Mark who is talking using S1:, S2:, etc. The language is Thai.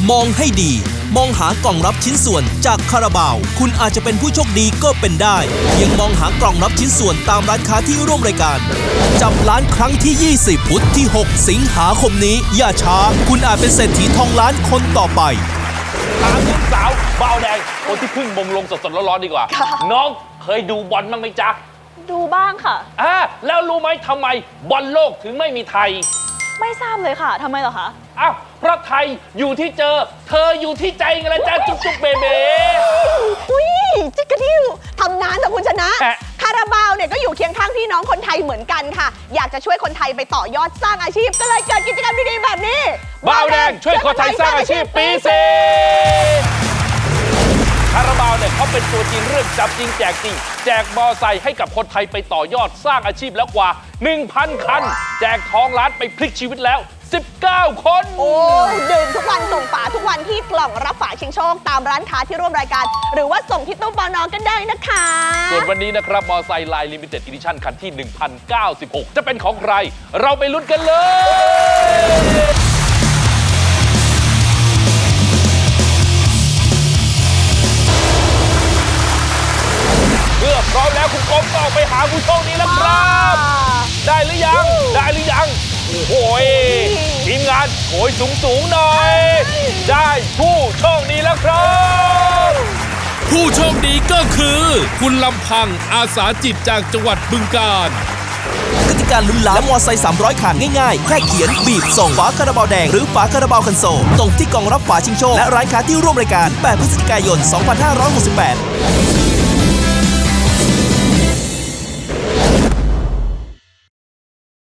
S1: มองให้ดีมองหากล่องรับชิ้นส่วนจากคาราบาวคุณอาจจะเป็นผู้โชคดีก็เป็นได้เพียงมองหากล่องรับชิ้นส่วนตามร้านค้าที่ร่วมรายการจับล้านครั้งที่ 20 พุธที่ 6 สิงหาคมนี้อย่าช้าคุณอาจเป็นเศรษฐีทองล้านคนต่อไป
S2: ถามลูกสาวเบาแดงคนที่เพิ่งมงลงสดๆร้อนๆดีกว่าน้องเคยดูบอลบ้างไหมจ๊ะ
S3: ดูบ้างค่ะ
S2: แล้วรู้ไหมทำไมบอลโลกถึงไม่มีไทย
S3: ไม่ทราบเลยค่ะทำไมเหรอคะ
S2: อ้าวเพราะไทยอยู่ที่เธออยู่ที่ใจไงล่ะจ๊ะจุ๊บจุ๊บเบเบ้
S4: อุ้ยจิ๊กกะดิ้วทำนานแต่คุณชนะคาราบาวเนี่ยก็อยู่เคียงข้างพี่น้องคนไทยเหมือนกันค่ะอยากจะช่วยคนไทยไปต่อยอดสร้างอาชีพก็เลยเกิดกิจกรรมดีๆแบบนี้
S2: บ่าวแดงช่วยคนไทยสร้างอาชีพปี4คาราบาวเนี่ยเขาเป็นตัวจริงเรื่องจับจริงแจกจริงแจกมอไซค์ให้กับคนไทยไปต่อยอดสร้างอาชีพแล้วกว่า 1,000 คันแจกทองล้านไปพลิกชีวิตแล้ว19 คน
S4: โอ้ดื่มทุกวันส่งฝาทุกวันที่กล่องรับฝาชิงโชคตามร้านค้าที่ร่วมรายการหรือว่าส่งที่ตู้ปน.กันได้นะคะ
S2: ส่วนวันนี้นะครับมอไซค์ไลน์ลิมิเต็ดอีดิชั่นคันที่ 1096 จะเป็นของใครเราไปลุ้นกันเลยเมื่อพร้อมแล้วคุณกบก็ออกไปหาผู้โชคดีแล้วครับได้หรือยังโอ้โหทีมงานโหยสูงหน่อยได้ผู้โชคดีแล้วครับ
S1: ผู้โชคดีก็คือคุณลำพังอาสาจิตจากจังหวัดบึงกาฬกติกาลุ้นล้านและมอไซค์300คันง่ายๆแค่เขียนบีบส่งฝาคาราบาวแดงหรือฝาคาราบาวคันโซลส่งที่กล่องรับฝาชิงโชคและร้านค้าที่ร่วมรายการ8 พฤศจิกายน 2568